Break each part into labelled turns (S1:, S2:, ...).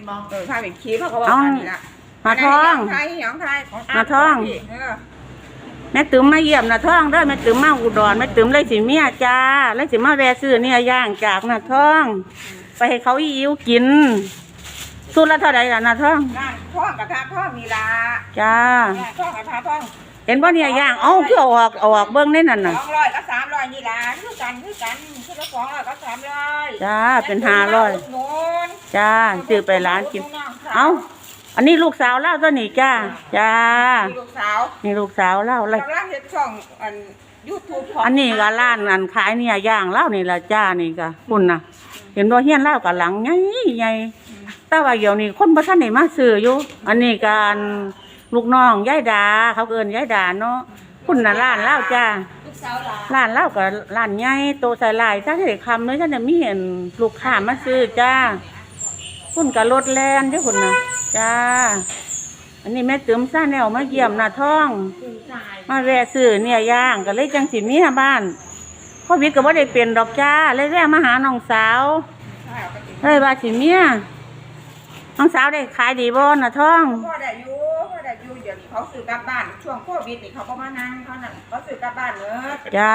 S1: เป็นบอ
S2: พาไปขี่เขาก็บอกกันนี่ละ
S3: นาท้องนาท้องแม่ติ๋มมาเยี่ยมนาท้องเด้อแม่ติ๋มมาอุดรแม่ติ๋มเลยสิเมียจ้าเลยสิมาแวะซื้อเนี่ยย่างจากนาท้องไปให้เขาอิ่วกินสุดละเท่าไหร่ล่ะนาท้อง
S2: ท้องกับทาท้องมีละ
S3: จ้า
S2: ท้องกับทาท้อง
S3: เห็นบ่เนี่ยย่างเอาคือเอาออกเบิ้งได้นั่นน่ะ
S2: 200กับ300นี่ละคือกันคือละ200กับ300
S3: จ้าเป็น500จ้าซื้อไปร้านกินเอาอันนี้ลูกสาวเล่าตัวนี้จ้าจ้า
S2: ลูกสาว
S3: นี่ลูกสาวเล่าอะไร
S2: กำลังเฮ็ดช่องYouTube
S3: อันนี้ก็ร้านอันขายเนี่ยย่างเล่านี่ละจ้านี่ก็คุณน่ะเห็นว่าเฮียนเล่ากับหลังใหญ่แต่ว่าเดี๋ยวนี้คนบ่ทันได้มาซื้ออยู่อันนี้การลูกน้องยายดาเขาเอิ้นยายดาเนาะคุณน่ะร้านเล่าจ้าร้านเล่ากับร้านใหญ่โตใส่ลายถ้าได้คำเลยถ้าจะมีเห็นลูกค้ามาซื้อจ้าคุณกับรถแลนเด้อคุณน่ะจ้าอันนี้แม่ติ๋มซ่าแนวมาเยี่ยมนาท้องมาแวะซื้อเนี่ยย่างก็เลยจังสิเมียบ้านโควิดก็บ่ได้เป็นดอกจ้าเลยแวะมาหาน้องสาวเลยว่าสิเมียน้องสาวได้ขายดีบ่นาท้อง
S2: พ่อได้อยู่เดี๋ยวนี้เขาซื้อกลับบ้านช่วงโควิดนี่เขาก็มานั่งเขานั่นเขาซื้อกลับบ้านเนอะ
S3: จ้า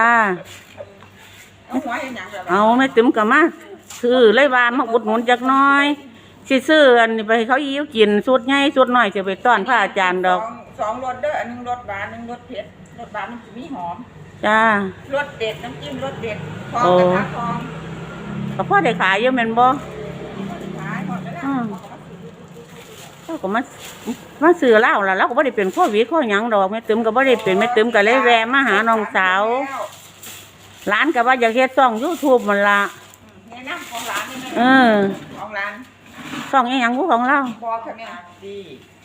S3: เอาแม่ติ๋มก็มาซื้อเลยว่ามาอุดหนุนจักหน่อยสิซื้ออันนี้ไปเขายิ้วกินสุดใหญ่สุดน้อยจะไปต้อนพระอาจารย์ดอก
S2: 2รสเด้ออันนึงรสหวานนึงรสเผ็ดรสหวานมันจะมีหอม
S3: จ้าร
S2: สเด็ดน้ำจิ้มรสเด็ดทองกระทะทอง
S3: ก็พ่อได้ขายเยอะแม่นบ่เขาก็มาซื้อเหล้าล่ะแล้วก็บ่ได้เป็นโควิดข้อหยังดอกแม่ติ๋มก็บ่ได้เป็นแม่ติ๋มก็เลยแวะมาหาน้องสาวร้านก็ว่าอยากเฮ็ดช่อง YouTube มันล่ะ
S2: แนะนำของร้านนี่
S3: แม่
S2: ของร้าน
S3: ช่องอีหยังของเรา
S2: บ่ค่ะแม่
S1: ดี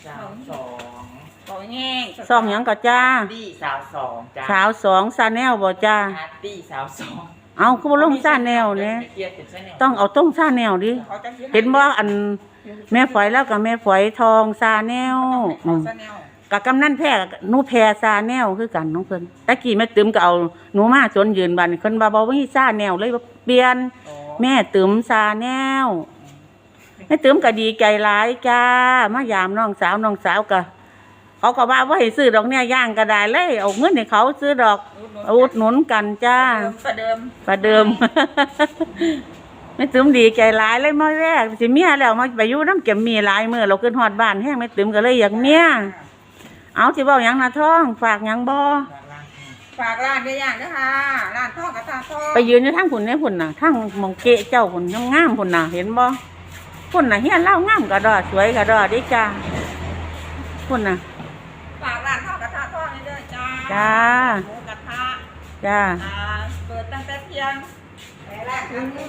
S2: 2ของแง่
S3: ช่องหยังก็จ้า
S1: ดีสาว2จ้า
S3: สาว2 Channel บ่จ้า
S1: ดีสาว2
S3: เอาคือบ่ลงChannelเนี่ยต้องเอาต้องChannelดิเห็นบ่อันแม่ฝอยแล้วกับแม่ฝอยทองChannelกับกำนันแพร่หนูแพร่Channelคือกันน้องเพิ่นตะกี้แม่ติ๋มก็เอาหนูมาสวนยืนบัดเพิ่นว่าบ่มีChannelเลยเปลี่ยนแม่ติ๋มChannelแม่ติ๋มก็ดีใจหลายจ้ามายามน้องสาวก็เขาก็ว่าให้ซื้อดอกเนี่ยย่างก็ได้เลยเอาเงินให้เขาซื้อดอกอุดหนุนกันจ้า
S2: ประเดิม
S3: แม่ติ๋มดีใจหลายเลยมาแรกสิเมียแล้วมาไปอยู่น้ำเก็บมีหลายมื้อเราขึ้นฮอดบ้านแห้งแม่ติ๋มก็เลยอยากเมียเอาสิเว้าหยังนาท้องฝากหยังบ่
S2: ฝากร้านได้อย่างนะคะร้านทองกับตาทอง
S3: ไปยืนอยู่ทางพุ่นเนี่ยพุ่นน่ะทางมองเกะเจ้าพุ่นงามพุ่นน่ะเห็นบ่พุ่นน่ะเฮียนเล่างามกระดอสวยกระดอดิจ้าพุ่นน่ะ
S2: ฝากร้านทองกับตาทองนี่ด้วยจ้า
S3: จ้า
S2: หมูกระทะ
S3: จ้า
S2: เปิดตั้งแต่เที่ยงถึง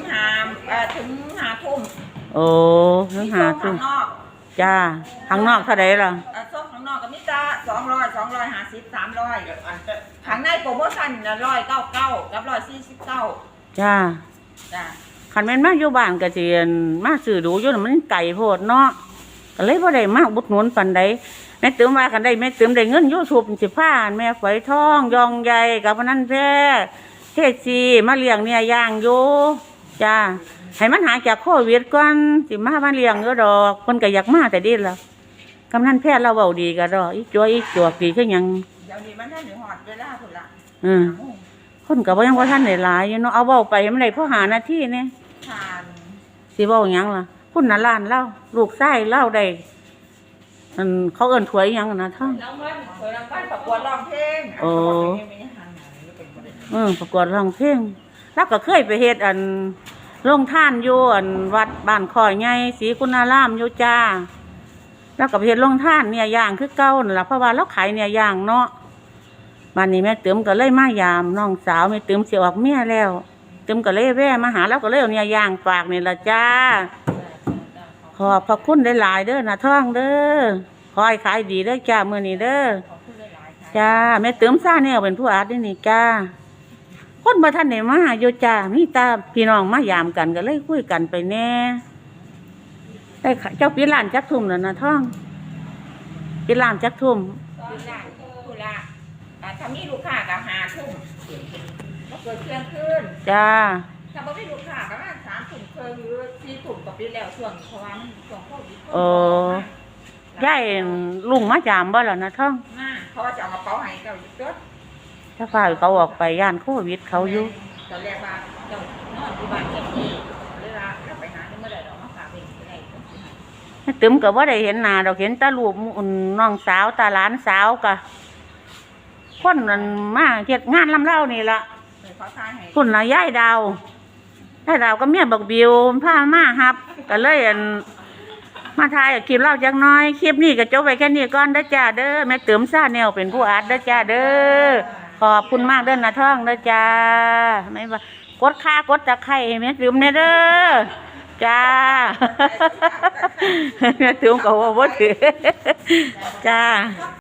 S2: 5 ทุ่ม
S3: โอ้ถึง5 ทุ่มจ้าข้างนอกเท่าไหร่ล่ะ
S2: ส้มข้างนอกก็มีจ้า200 250 300ข้างในโปรโมชั่น199กับ149
S3: จ้าคันแม่นมาอยู่บ้านก็สิมาซื้อดูอยู่มันไกลโพดเนาะก็เลยบ่ได้มาอุดหนุนปานใดแม่ติ๋มว่าคันได้แม่ติ๋มได้เงิน YouTube สิพาแม่ฝอยทองยองใหญ่กับพนันแท้เทศมาเลี้ยงเนี่ยย่างอยู่จ้าให้มันหายจากโควิดก่อนสิมาเลี้ยงอยู่ดอกเพิ่นก็อยากมาแต่ดิล่ะกำนันแพทย์เราเว้าดีก็ดอกอีจวกดีคือหยัง
S2: เดี๋ยวนี้มันทันได้ฮอดเวลาพุ่นล่ะ
S3: คนก็บ่ยังบ่ทันได้หลายอยู่เนาะเอาเว้าไปมันได้พอ5 นาทีนี่สิเว้าหยังล่ะพุ่นน่ะร้านเราลูกชายเราได้เขาเอิ้นถวยหยังนะท่าน
S2: ถวยรางวัลประกวดร้องเพลง
S3: โอ้ประกวดร้องเพลงแล้วก็เคยไปเฮ็ดโรงทานอยู่วัดบ้านข่อยใหญ่ศรีคุณารามอยู่จ้าแล้วก็ไปเฮ็ดโรงทานเนี่ยย่างคือเก่านั่นล่ะเพราะว่าเราขายเนี่ยย่างเนาะบัดนี้แม่ติ๋มก็เลยมายามน้องสาวแม่ติ๋มสิออกเมียแล้วติ๋มก็เลยแวะมาหาแล้วก็เลยเอาเนี่ยย่างฝากนี่ล่ะจ้าขอบพระคุณหลายๆเด้อนะท้องเด้อขอให้ขายดีเด้อจ้ามื้อนี้เด้อจ้าแม่ติ๋มซ่าเนี่ยเป็นผู้อาร์ตนี่จ้าคนบ่ทันได้มาอยู่จ้ามีตาพี่น้องมายามกันก็เลยคุยกันไปแน่ได้เจ้าปิดร้านจักทุ่มแล้วนะท้องปิดร้านจักทุ่ม
S2: ถ้ามีลูกค้าก็5 ทุ่มก็เกิดเที่ยงคืน
S3: จ้า
S2: ถ้าบ่มีลูกค้าประมาณ3 ทุ่มครึ่งหรือ4 ทุ่มก็ปิดแล้วช่วงเพราะว่ามันช่วงโควิดคน
S3: เออย่ายลุงมาจามบ่ล่ะนะท่อง
S2: มาเพราะว่าจะเอากระเป๋าให้เจ้าอยู่ตัว
S3: ถ้าฝ่ายเขาออกไปย่านโควิดเขาอยู่
S2: ตอนแรกว่าเจ้านอนอยู่บ้านแค่นี้เวลาเราไปหาเมื่อใดเรามาฝากเองไปได้
S3: ตึมก็บ่ได้เห็นหน้าดอกเห็นแตารูปน้องสาวตาหลานสาวกะคนนั้นมาเฮ็ดงานลำเล่านี่ล่ะ
S2: เลยเขาทายให้
S3: คุณน่ะยายดาวยายดาวก็เมียบักบิวพามาฮับก็เลยมาถ่ายคลิปเล่าจักหน้อยคลิปนี้ก็จบไว้แค่นี้ก่อนเด้อจ้าเด้อแม่ตึมซ่าแนวเป็นผู้อัดเด้อจ้าเด้อขอบคุณมากเด้อนะท่องเด้อจ้าไม่ว่ากดค่ากดตะไคร้ให้แม่ตึมแน่เด้อจ้า แม่ตึมก็ว่าบ่ถือจ้า